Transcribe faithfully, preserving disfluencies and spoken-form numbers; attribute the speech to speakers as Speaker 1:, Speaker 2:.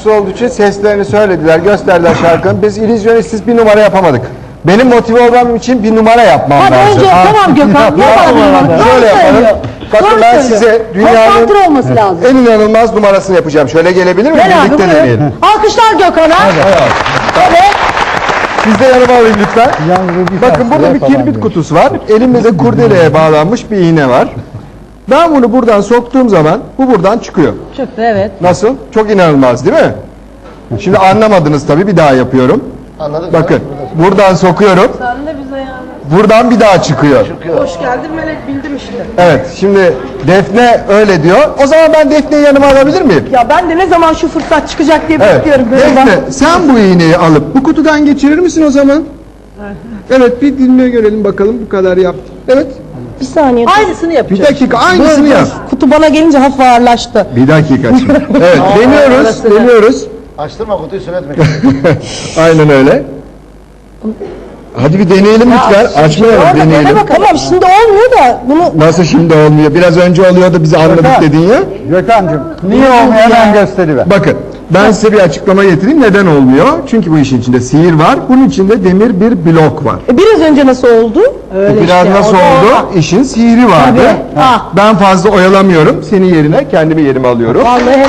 Speaker 1: sanatçısı olduğu için seslerini söylediler, gösterdiler şarkının. Biz illüzyonistiz, bir numara yapamadık. Benim motive olmam için bir numara yapmam
Speaker 2: Hadi
Speaker 1: lazım.
Speaker 2: önce tamam Gökhan. Yapalım.
Speaker 1: Şöyle yapalım. Bakın ben size dünyanın
Speaker 2: konsantre olması lazım.
Speaker 1: en inanılmaz numarasını yapacağım. Şöyle gelebilir mi?
Speaker 2: Gel abi,
Speaker 1: Birlikte
Speaker 2: buyur.
Speaker 1: deneyelim.
Speaker 2: Alkışlar Gökhan'a. Evet.
Speaker 1: Siz de yanıma alın lütfen. Bakın burada bir kirbit kutusu var. Elimizde kurdeleye bağlanmış bir iğne var. Ben bunu buradan soktuğum zaman bu buradan çıkıyor.
Speaker 2: Çıktı evet.
Speaker 1: Nasıl? Çok inanılmaz değil mi? Şimdi anlamadınız tabii, bir daha yapıyorum.
Speaker 3: Anladık.
Speaker 1: Bakın buradan sokuyorum.
Speaker 4: Sen de bize yani.
Speaker 1: Buradan bir daha çıkıyor.
Speaker 4: Hoş geldin Melek, bildim işte.
Speaker 1: Evet, şimdi Defne öyle diyor. O zaman ben Defne'yi yanıma alabilir miyim?
Speaker 4: Ya ben de ne zaman şu fırsat çıkacak diye
Speaker 1: Evet.
Speaker 4: bekliyorum. Böyle
Speaker 1: Defne
Speaker 4: bak.
Speaker 1: sen bu iğneyi alıp bu kutudan geçirir misin o zaman? Evet, bir dinle görelim bakalım, bu kadar yaptım. Evet.
Speaker 2: Bir saniye.
Speaker 4: Aynısını
Speaker 1: Bir
Speaker 4: yapacağız.
Speaker 1: dakika aynısını yap.
Speaker 2: Kutu bana gelince hafif ağırlaştı.
Speaker 1: Bir dakika şimdi. Evet, deniyoruz, deniyoruz.
Speaker 3: Açtırma kutuyu söyletme.
Speaker 1: Aynen öyle. Hadi bir deneyelim lütfen. Açmayalım, deneyelim.
Speaker 2: Tamam şimdi olmuyor da bunu
Speaker 1: Nasıl şimdi olmuyor? Biraz önce oluyordu, biz anladık dedin ya.
Speaker 5: Gökhan'cığım niye olmuyor hemen gösteriver.
Speaker 1: Bakın, ben size bir açıklama getireyim. Neden olmuyor? Çünkü bu işin içinde sihir var. Bunun içinde demir bir blok var.
Speaker 2: E, biraz önce nasıl oldu?
Speaker 1: Bu biraz nasıl oldu? İşin sihri vardı.
Speaker 2: Tabii. Ah.
Speaker 1: Ben fazla oyalamıyorum. Senin yerine kendimi yerime alıyorum.
Speaker 2: Vallahi